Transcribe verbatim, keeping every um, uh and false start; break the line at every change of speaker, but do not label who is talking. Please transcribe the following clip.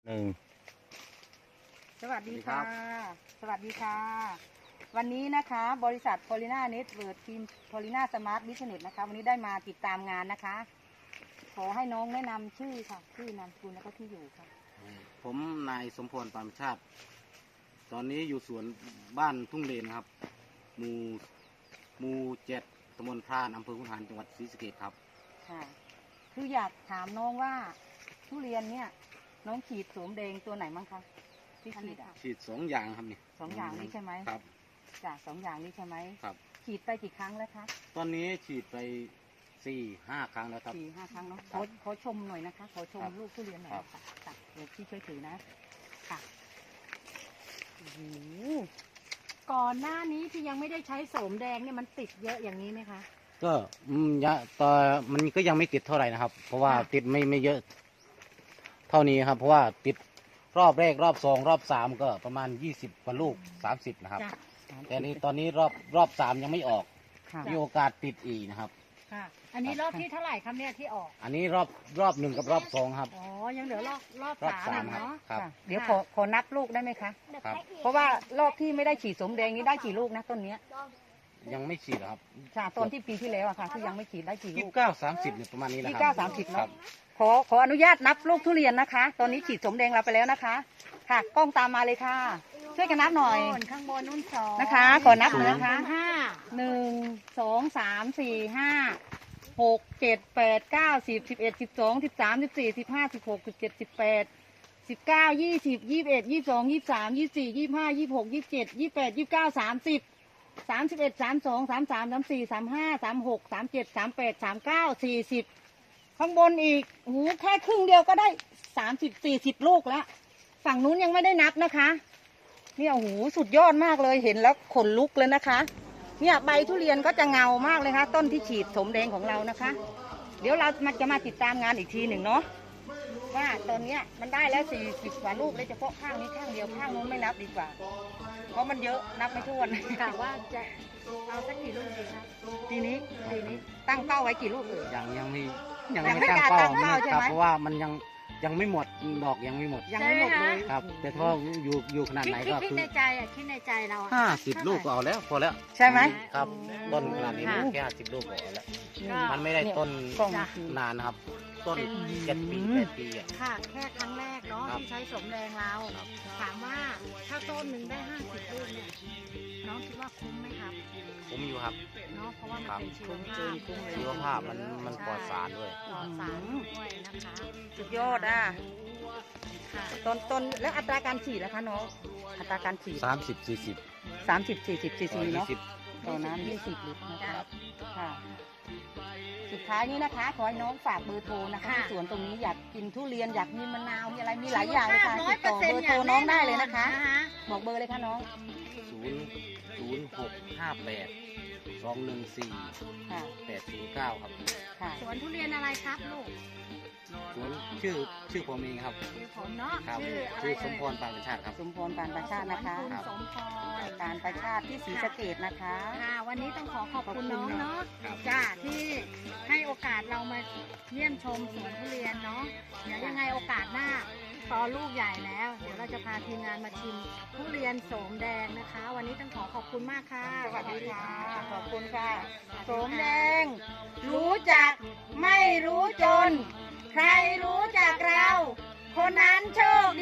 หนึ่ง
สวัสดีค่ะ สวัสดีค่ะ วันนี้นะคะบริษัท Polina Network ทีม Polina Smart Business นะคะวันนี้ได้มาติดตามงานนะคะ ขอให้น้องแนะนำชื่อค่ะชื่อนามสกุลแล้วก็ที่อยู่ค่ะ
ผมนายสมพรปานชาติ ตอนนี้อยู่สวนบ้านทุ่งเลนครับหมู่หมู่เจ็ดตำบลพรานอำเภอขุนหารจังหวัดศรีสะเกษครับ
ค่ะ คืออยากถามน้องว่าทุเรียนเนี่ยน้องขีดโสมแดงตัวไหนมั้งคะที่ขีดอ่ะ
ฉีดสองอย่างครับนี่
สองอย่างนี้ใช่ไหม
ครับ
จ้ะสองอย่างนี้ใช่ไหม
ครับ
ขีดไปกี่ครั้งแล้วคะ
ตอนนี้ฉีดไปสี่ห้าครั้งแล้วครับ
สี่ห้าครั้งเนาะ
ครั
ขอบ ขอชมหน่อยนะคะ ขอชม
ครับ
ลูกทุเรียนหน่อย
ครับ
ค่ะค่ะเดี๋ยวพี่ช่วยถือนะค่ะโอ้โหก่อนหน้านี้ที่ยังไม่ได้ใช้โสมแดงเนี่ยมันติดเยอะอย่างนี้ไหมคะ
ก็อืมยะตอนมันก็ยังไม่ติดเท่าไหร่นะครับ เพราะว่า
ค่ะ
ติดไม่ไม่เยอะ เท่านี้ครับ เพราะว่าติดรอบแรกรอบสองรอบสามก็ประมาณยี่สิบกว่าลูกสามสิบนะครับ
จ้ะ
แต่นี้ตอนนี้รอบรอบสามยังไม่ออก
ค่ะ
มีโอกาสติดอีกนะครับ
ค่ะ อันนี้รอบที่เท่าไหร่ครับเนี่ยที่ออก
อันนี้รอบรอบหนึ่งกับรอบสองครับ
อ๋อ ยังเหลือรอบรอบ
รอบ
สาม
สาม
อีกเนาะ
ครับ
ค่ะเดี๋ยวขอขอนับลูกได้ไหมคะ
ครับ
เพราะว่ารอบที่ไม่ได้ฉีดสมแดงนี้ได้กี่ลูกนะต้นเนี้ย
ยังไม่ฉีดเหรอครับ
ค่ะต้นที่ปีที่แล้วอะค่ะที่ยังไม่ฉีดได้กี่
ยี่
ลู
สิ
ก
บเก้าสามสิบเนี่ยประมาณนี้แหละ
ยี่
ค
สิบเก้า
รับ
สามสิบ
ครั
เนาะ
บ
ขอขออนุญาตนับลูกทุเรียนนะคะ ตอนนี้ฉีดสมแดงเราไปแล้วนะคะ ค่ะ กล้องตามมาเลยค่ะ ช่วยกันนับหน่อย
ข้างบนนุ่นสอง
นะคะ ขอนับเลยนะคะ
ห้า
หนึ่งสองสามสี่ห้าหกเจ็ดแปดเก้าสิบสิบเอ็ดสิบสองสิบสามสิบสี่สิบห้าสิบหกสิบเจ็ดสิบแปดสิบเก้ายี่สิบยี่สิบเอ็ดยี่สิบสองยี่สิบสามยี่สิบสี่ยี่สิบห้ายี่สิบหกยี่สิบเจ็ดยี่สิบแปดยี่สิบเก้าสามสิบสามสิบเอ็ดสามสองสามสามสามสี่สามห้าสามหกสามเจ็ดสามแปดสามเก้าสี่สิบข้างบนอีกโอ้โหแค่ครึ่งเดียวก็ได้สามสิบสี่สิบลูกแล้วฝั่งนู้นยังไม่ได้นับนะคะเนี่ยโอ้โหสุดยอดมากเลยเห็นแล้วขนลุกเลยนะคะเนี่ยใบทุเรียนก็จะเงามากเลยค่ะต้นที่ฉีดสมแดงของเรานะคะ เดี๋ยวเรามาจะมาติดตามงานอีกทีหนึ่งเนาะว่าตอนเนี้ยมันได้แล้วสี่สิบกว่าลูกเลยเฉพาะข้างนี้ข้างเดียวข้างนู้นไม่นับดีกว่า เพราะมันเยอะนับไม่ถ้วน
กะว่าจะเอาสักกี่ลูกดีครับ
ทีนี้ทีนี้ตั้งเป้าไว้กี่ลูกเอ่ย
ยังยังไม่ยัง
ยังไม่
ไม่ตั้ง
กล้า
เป้า
ตั้งเป้า
ไม่
ใช่
ครับ
ไหม
เพราะว่ามันยังยังไม่หมดดอกยังไม่หมด
ยังไม่หมดเลย
ครับ แต่ถ้าอยู่อยู่ขนาด
คิด
ไหน
คิด
ก็
คิด
คือ
ในใจอ่ะคิดในใจเราอ่ะ
ห้าสิบลูกก็เอาแล้วพอแล้ว
ใช่ไหม
ครับต้นขนาดนี้
ค่ะ
แค่ห้าสิบลูกก็เอาแล้ว
ก็
มันไม่ได้ต้น
กล้อง
นานนะครับ ต้น
เป็น
เจ็ดปีแปดปีอ่ะ
ค่ะแค่ครั้งแรกเนาะ
ครับ
ที่ใช้สมแดงเรา
ครับ
ถามว่าถ้าต้นหนึ่งได้ห้าสิบลูกเนี่ยน้องคิดว่าคุ้มไหมครับ
ผมอยู่ครับ
เนาะเพราะว่ามัน
ครับ
เป็นชีวภาพ
ชีวภาพมันมันปลอดสารด้วย
ปลอดสารด้วยนะคะ
สุดยอดอ่ะ
ค่ะ
ต้นต้นแล้วอัตราการฉีดล่ะคะน้องอัตราการฉีด
สามสิบสี่สิบ
สามสิบสี่สิบซีซี
ยี่
เนาะ
สิบ
ต่อน้ำยี่สิบลิตรนะ
จ้ะ
คะค่ะ สุดท้ายนี้นะคะขอให้น้องฝากเบอร์โทรนะคะ
ค่ะ
ที่สวนตรงนี้อยากกินทุเรียนอยากมีมะนาวมีอะไรมีหลายอย่างเลยค่ะ
ร้อย
ติด
เปอ
ต่
ร์
อ
เซ็น
เบอ
ต์
ร์โทรน้องได้เลยนะคะ
นะคะ
บอกเบอร์เลยค่ะน้อง
ศูนย์ศูนย์หกห้าแปดสองหนึ่งสี่
ค่ะ
แปดศูนย์เก้าครับ
ค่ะ
สวนทุเรียนอะไรครับลูก
สวนชื่อชื่อผมเองครับ
ชื่อผมเนาะ
ครับ
ชื่ออะไร
ชื่อส
เอ่
ม
ย
พรปานประชาติครับ
สมพรปานประชาตินะคะ
สวนคุณ
ครับ
สมพร
การประชาติที่ศรีสะเกษนะคะ
ค่ะวันนี้ต้องขอขอบคุณน้องเนาะ
ครับ
จ้าที่ให้โอกาสเรามาเยี่ยมชมสวนทุเรียนเนาะเดี๋ยวยังไงโอกาสหน้าตอนลูกใหญ่แล้ว เดี๋ยวเราจะพาทีมงานมาชิมทุเรียนโสมแดงนะคะ วันนี้ต้องขอขอบคุณมากค่ะ
สวัสดีค่ะ ขอบคุณค่ะ
ส
ส
วัส
ม
ดี
แด
ค่ะ
ง รู้จักไม่รู้จน ใครรู้จักเรา คนนั้นโชค